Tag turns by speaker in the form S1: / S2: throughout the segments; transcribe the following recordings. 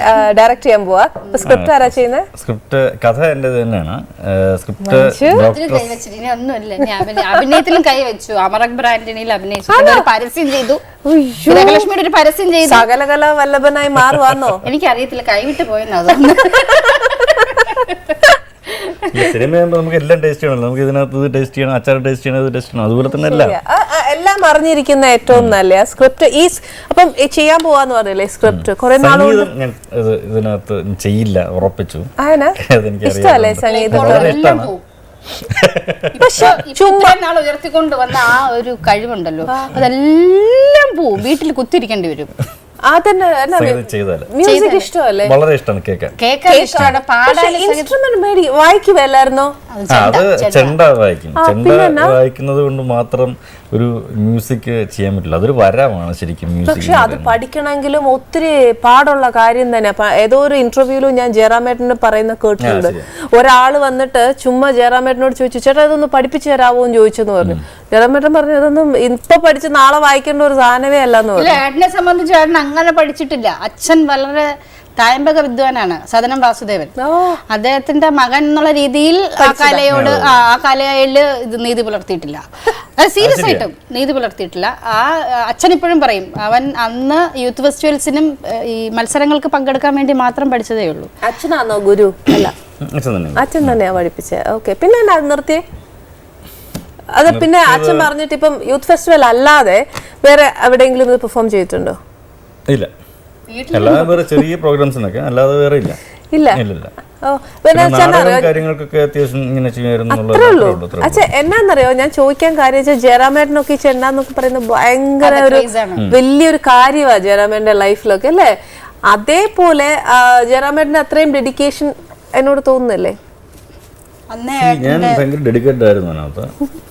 S1: Direct ചെയ്യാൻ പോവാ. Script ആരാ ചെയ്യുന്നത്?
S2: സ്ക്രിപ്റ്റ് കഥ എൻ്റെ തന്നെയാണ്. സ്ക്രിപ്റ്റ്
S3: ഒന്നുമില്ല, അഭിനയത്തിലും കൈവച്ചു. അമർ അക്ബർ ആന്റണിയിൽ അഭിനയിച്ചു, പരസ്യം ചെയ്തു, ലക്ഷ്മിയുടെ ഒരു പരസ്യം ചെയ്തു.
S1: സകലകല വല്ലഭനായി മാറുവാന്നോ?
S3: എനിക്കറിയത്തില്ല, കൈവിട്ട് പോയെന്ന്. അതൊന്നും
S2: സിനിമയാകുമ്പോൾ നമുക്ക് എല്ലാം ടേസ്റ്റ് ചെയ്യണമല്ലോ. നമുക്ക് ഇതിനകത്ത് ടേസ്റ്റ് ചെയ്യണം, അച്ചാർ ടേസ്റ്റ് ചെയ്യണം, ഇത് ടേസ്റ്റ് ചെയ്യണം, അതുപോലെ തന്നെ
S1: എല്ലാം അറിഞ്ഞിരിക്കുന്ന ഏറ്റവും നല്ല സ്ക്രിപ്റ്റ്. ഈ അപ്പം ചെയ്യാൻ പോവാന്ന് പറഞ്ഞില്ലേ സ്ക്രിപ്റ്റ്? കുറെ നാളുകൊണ്ട്
S2: ഞാൻ ഇതിനകത്ത് ചെയ്യില്ല, ഉറപ്പിച്ചു.
S1: ഇഷ്ടമല്ലേ സംഗീതം?
S3: പക്ഷെ നാൾ ഉയർത്തിക്കൊണ്ട് വന്ന ആ ഒരു കഴിവുണ്ടല്ലോ, അതെല്ലാം പോവും, വീട്ടിൽ കുത്തിരിക്കേണ്ടി വരും.
S1: മ്യൂസിക് ഇഷ്ടമല്ലേ?
S2: വളരെ ഇഷ്ടമാണ് കേൾക്കാൻ.
S1: ഇൻസ്ട്രുമെന്റ് മേടി വായിക്കുവല്ലായിരുന്നോ?
S2: അത് ചെണ്ട വായിക്കും. ചെണ്ട വായിക്കുന്നത് കൊണ്ട് മാത്രം ഒരു മ്യൂസിക് ചെയ്യാൻ പറ്റില്ല, അതൊരു വരമാണ് ശരിക്കും.
S1: പക്ഷെ അത് പഠിക്കണമെങ്കിലും ഒത്തിരി പാടുള്ള കാര്യം തന്നെ. ഏതോ ഒരു ഇന്റർവ്യൂവിലും ഞാൻ ജയറാമേട്ടന് പറയുന്ന കേട്ടിട്ടുണ്ട്. ഒരാള് വന്നിട്ട് ചുമ്മാ ജയറാമേട്ടനോട് ചോദിച്ചു, ചേട്ടാ ഇതൊന്ന് പഠിപ്പിച്ചു തരാവോ എന്ന് ചോദിച്ചെന്ന് പറഞ്ഞു. ജയറാമേട്ടൻ പറഞ്ഞു, ഇതൊന്നും ഇപ്പൊ പഠിച്ച് നാളെ വായിക്കേണ്ട ഒരു സാധനമേ അല്ലെന്ന് പറഞ്ഞു.
S3: ഏട്ടനെ സംബന്ധിച്ച് ഏട്ടൻ അങ്ങനെ പഠിച്ചിട്ടില്ല. അച്ഛൻ വളരെ തായമ്പക വിദ്വാനാണ്, സദനം വാസുദേവൻ. അദ്ദേഹത്തിന്റെ മകൻ എന്നുള്ള രീതിയിൽ ആ കലയില് ഇത് നീതി പുലർത്തിയിട്ടില്ല. സീരിയസ് ആയിട്ടും നീതി പുലർത്തിയിട്ടില്ല. ആ അച്ഛൻ ഇപ്പോഴും പറയും, അവൻ അന്ന് യൂത്ത് ഫെസ്റ്റിവൽസിനും ഈ മത്സരങ്ങൾക്ക് പങ്കെടുക്കാൻ വേണ്ടി മാത്രം പഠിച്ചതേ ഉള്ളൂ.
S1: അച്ഛനാണോ ഗുരു? അല്ല, അച്ഛൻ തന്നെയാ പഠിപ്പിച്ചത്. ഓക്കെ, പിന്നെ എന്നാ നിർത്തിയേ? അത് പിന്നെ അച്ഛൻ പറഞ്ഞിട്ട് ഇപ്പം യൂത്ത് ഫെസ്റ്റിവൽ അല്ലാതെ വേറെ എവിടെയെങ്കിലും ഇത് പെർഫോം ചെയ്തിട്ടുണ്ടോ?
S2: ഇല്ല, അല്ലാതെ വേറെ ചെറിയ പ്രോഗ്രാംസിനൊക്കെ, അല്ലാതെ വേറെ ഇല്ല.
S1: എന്നാന്നറിയോ ഞാൻ ചോദിക്കാൻ കാര്യം, ജയറാമേട്ടനൊക്കെ ഈ ചെണ്ടാന്നൊക്കെ പറയുന്നത് ഭയങ്കര ഒരു വലിയൊരു കാര്യമാണ് ജയറാമേട്ടന്റെ ലൈഫിലൊക്കെ അല്ലേ? അതേപോലെ ജയറാമേട്ടന്റെ അത്രയും ഡെഡിക്കേഷൻ എന്നോട് തോന്നുന്നില്ലേ?
S2: ഞാൻ ഭയങ്കര ഡെഡിക്കേറ്റഡ് ആയിരുന്നു അതിനകത്ത്.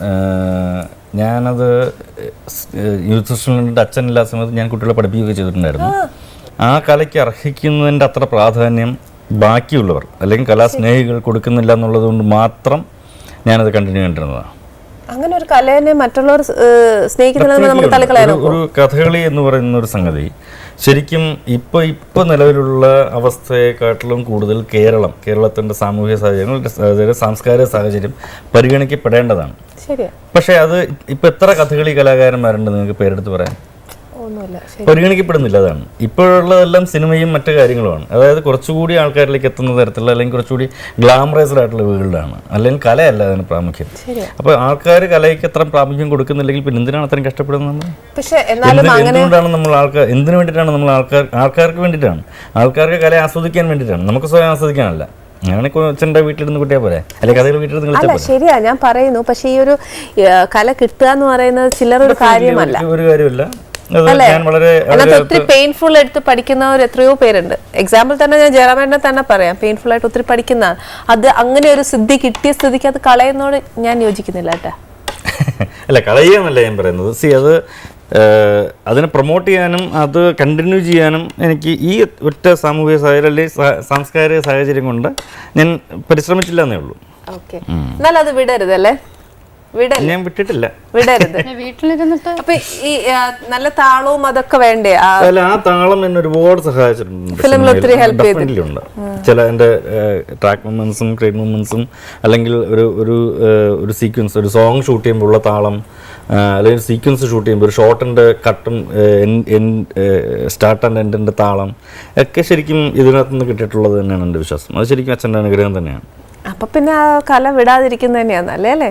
S2: ഞാനത് യൂത്ത് ഫെസ്റ്റിവലിൻ്റെ അച്ഛനില്ലാത്ത സമയത്ത് ഞാൻ കുട്ടികളെ പഠിപ്പിക്കുകയൊക്കെ ചെയ്തിട്ടുണ്ടായിരുന്നു. ആ കലയ്ക്ക് അർഹിക്കുന്നതിൻ്റെ അത്ര പ്രാധാന്യം ബാക്കിയുള്ളവർ അല്ലെങ്കിൽ കലാസ്നേഹികൾ കൊടുക്കുന്നില്ല എന്നുള്ളത് കൊണ്ട് മാത്രം ഞാനത് കണ്ടിന്യൂ ചെയ്തിരുന്നതാണ്.
S1: അങ്ങനെ ഒരു കലയെ മറ്റുള്ളവർ സ്നേഹിക്കുന്ന
S2: ഒരു കഥകളി എന്ന് പറയുന്ന ഒരു സംഗതി ശരിക്കും ഇപ്പൊ നിലവിലുള്ള അവസ്ഥയെക്കാട്ടിലും കൂടുതൽ കേരളത്തിന്റെ സാമൂഹിക സാഹചര്യങ്ങൾ, സാംസ്കാരിക സാഹചര്യം പരിഗണിക്കപ്പെടേണ്ടതാണ്. പക്ഷെ അത് ഇപ്പൊ എത്ര കഥകളി കലാകാരന്മാരുണ്ട് നിങ്ങൾക്ക് പേരെടുത്ത് പറയാൻ? പരിഗണിക്കപ്പെടുന്നില്ല. അതാണ് ഇപ്പോഴുള്ളതെല്ലാം സിനിമയും മറ്റു കാര്യങ്ങളുമാണ്. അതായത് കുറച്ചുകൂടി ആൾക്കാരിലേക്ക് എത്തുന്ന തരത്തിലുള്ള അല്ലെങ്കിൽ കുറച്ചുകൂടി ഗ്ലാമറൈസ്ഡ് ആയിട്ടുള്ള വേൾഡാണ്, അല്ലെങ്കിൽ കലയല്ല അതിന് പ്രാമുഖ്യം. അപ്പൊ ആൾക്കാർ കലയ്ക്ക് എത്ര പ്രാമുഖ്യം കൊടുക്കുന്നില്ലെങ്കിൽ പിന്നെ എന്തിനാണ് അത്രയും കഷ്ടപ്പെടുന്നത്? എന്തുകൊണ്ടാണ് നമ്മൾ എന്തിനു വേണ്ടിയിട്ടാണ് നമ്മൾ ആൾക്കാർക്ക് വേണ്ടിയിട്ടാണ്, ആൾക്കാർക്ക് കല ആസ്വദിക്കാൻ വേണ്ടിയിട്ടാണ്, നമുക്ക് സ്വയം ആസ്വദിക്കാനല്ല. അങ്ങനെ ചെണ്ട വീട്ടിലിരുന്ന് കുട്ടിയെ പോലെ അല്ലെങ്കിൽ കഥകൾ വീട്ടിലിരുന്ന്
S1: ശരിയാ ഞാൻ പറയുന്നു. പക്ഷെ ഈ ഒരു കല കിട്ടുക എന്ന് പറയുന്നത് ചില്ലറൊരു കാര്യമല്ല,
S2: ഒരു കാര്യമല്ല.
S1: ഒത്തിരി പെയിൻഫുൾ എടുത്ത് പഠിക്കുന്നവർ എത്രയോ പേരുണ്ട്. എക്സാമ്പിൾ തന്നെ ഞാൻ ജയറാമേട്ടനെ തന്നെ പറയാം, പെയിൻഫുൾ ആയിട്ട് ഒത്തിരി പഠിക്കുന്ന അത് അങ്ങനെ ഒരു സിദ്ധി കിട്ടിയ സ്ഥിതിക്ക് അത് കളയുന്നോട് ഞാൻ യോജിക്കുന്നില്ല കേട്ടാ.
S2: അല്ല, കളയുകയെന്നല്ല ഞാൻ പറയുന്നത്. അത് അതിനെ പ്രൊമോട്ട് ചെയ്യാനും അത് കണ്ടിന്യൂ ചെയ്യാനും എനിക്ക് ഈ ഒറ്റ സാമൂഹിക സാഹചര്യം അല്ലെങ്കിൽ സാംസ്കാരിക സാഹചര്യം കൊണ്ട് ഞാൻ പരിശ്രമിച്ചില്ല എന്നേ ഉള്ളൂ.
S1: എന്നാൽ അത് വിടരുതല്ലേ?
S2: ഞാൻ വിട്ടിട്ടില്ല,
S1: വിടരുത്. അപ്പൊ ഈ നല്ല താളവും അതൊക്കെ വേണ്ടേ?
S2: അല്ല, ആ താളം എന്നെ ഒരുപാട് സഹായിച്ചിട്ടുണ്ട്. ചില എൻ്റെ ട്രാക്ക് മൂവ്മെന്റ്സും ക്രേറ്റ് മൂവ്മെന്റ്സും അല്ലെങ്കിൽ ഒരു സീക്വൻസ്, ഒരു സോങ് ഷൂട്ട് ചെയ്യുമ്പോൾ ഉള്ള താളം, അല്ലെങ്കിൽ സീക്വൻസ് ഷൂട്ട് ചെയ്യുമ്പോൾ ഒരു ഷോട്ടിൻ്റെ കട്ടും സ്റ്റാർട്ട് ആൻഡ് എൻഡിൻ്റെ താളം ഒക്കെ ശരിക്കും ഇതിനകത്ത് നിന്ന് കിട്ടിയിട്ടുള്ളത് തന്നെയാണ് എൻ്റെ വിശ്വാസം. അത് ശരിക്കും അച്ഛൻ്റെ അനുഗ്രഹം തന്നെയാണ്.
S1: അപ്പൊ പിന്നെ ആ കല വിടാതിരിക്കുന്ന തന്നെയാണ് അല്ലേ?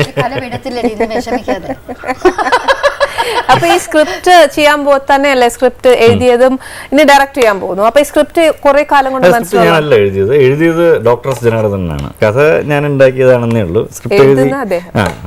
S1: അപ്പൊ ഈ സ്ക്രിപ്റ്റ് ചെയ്യാൻ തന്നെയല്ലേ സ്ക്രിപ്റ്റ് എഴുതിയതും ഇനി ഡയറക്റ്റ് ചെയ്യാൻ പോകുന്നു. അപ്പൊ ഈ സ്ക്രിപ്റ്റ് കുറെ കാലം കൊണ്ട്
S2: ഞാനല്ല എഴുതിയത് ഡോക്ടർ എസ് ജനാർദ്ദനാണ്. കഥ ഞാൻ ഉണ്ടാക്കിയതാണെന്നേ ഉള്ളൂ. സ്ക്രിപ്റ്റ്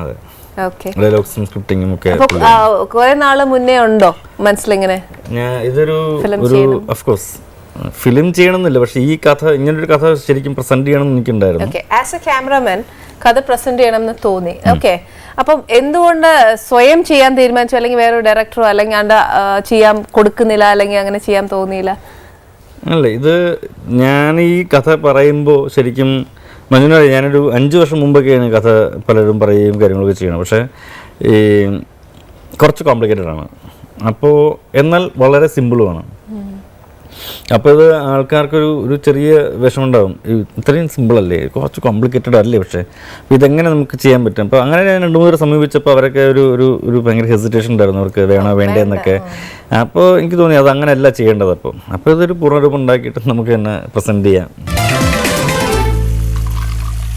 S1: കുറെ നാള് മുന്നേ ഉണ്ടോ മനസ്സിലിങ്ങനെ?
S2: ഇതൊരു ഓഫ്കോഴ്സ് ഫിലിം ചെയ്യണമെന്നില്ല, പക്ഷെ ഈ കഥ ഇങ്ങനൊരു കഥ ശരിക്കും പ്രസന്റ് ചെയ്യണമെന്ന് എനിക്കുണ്ടായിരുന്നു.
S1: ആസ് എ ക്യാമറമാൻ കഥ പ്രസന്റ് ചെയ്യണമെന്ന് തോന്നി. ഓക്കെ, അപ്പം എന്തുകൊണ്ട് സ്വയം ചെയ്യാൻ തീരുമാനിച്ചു? അല്ലെങ്കിൽ വേറൊരു ഡയറക്ടറോ അല്ലെങ്കിൽ അണ്ട ചെയ്യാൻ കൊടുക്കുന്നില്ല അല്ലെങ്കിൽ അങ്ങനെ ചെയ്യാൻ തോന്നിയില്ല?
S2: അല്ല, ഇത് ഞാൻ ഈ കഥ പറയുമ്പോൾ ശരിക്കും മഞ്ജുന, ഞാനൊരു 5 വർഷം മുമ്പൊക്കെയാണ് കഥ പലരും പറയുകയും കാര്യങ്ങളൊക്കെ ചെയ്യണം. പക്ഷേ ഈ കുറച്ച് കോംപ്ലിക്കേറ്റഡ് ആണ്. അപ്പോൾ എന്നാൽ വളരെ സിമ്പിളുമാണ്. അപ്പോൾ ഇത് ആൾക്കാർക്കൊരു ഒരു ചെറിയ വിഷമമുണ്ടാകും. ഇത്രയും സിമ്പിളല്ലേ, കുറച്ച് കോംപ്ലിക്കേറ്റഡ് അല്ലേ, പക്ഷേ അപ്പോൾ ഇതെങ്ങനെ നമുക്ക് ചെയ്യാൻ പറ്റും? അപ്പോൾ അങ്ങനെ ഞാൻ 2-3 സമീപിച്ചപ്പോൾ അവരൊക്കെ ഒരു ഭയങ്കര ഹെസിറ്റേഷൻ ഉണ്ടായിരുന്നു, അവർക്ക് വേണോ വേണ്ടേന്നൊക്കെ. അപ്പോൾ എനിക്ക് തോന്നി അത് അങ്ങനെയല്ല ചെയ്യേണ്ടത്. അപ്പോൾ ഇതൊരു പൂർണ്ണരൂപം ഉണ്ടാക്കിയിട്ട് നമുക്ക് തന്നെ പ്രസൻറ്റ് ചെയ്യാം.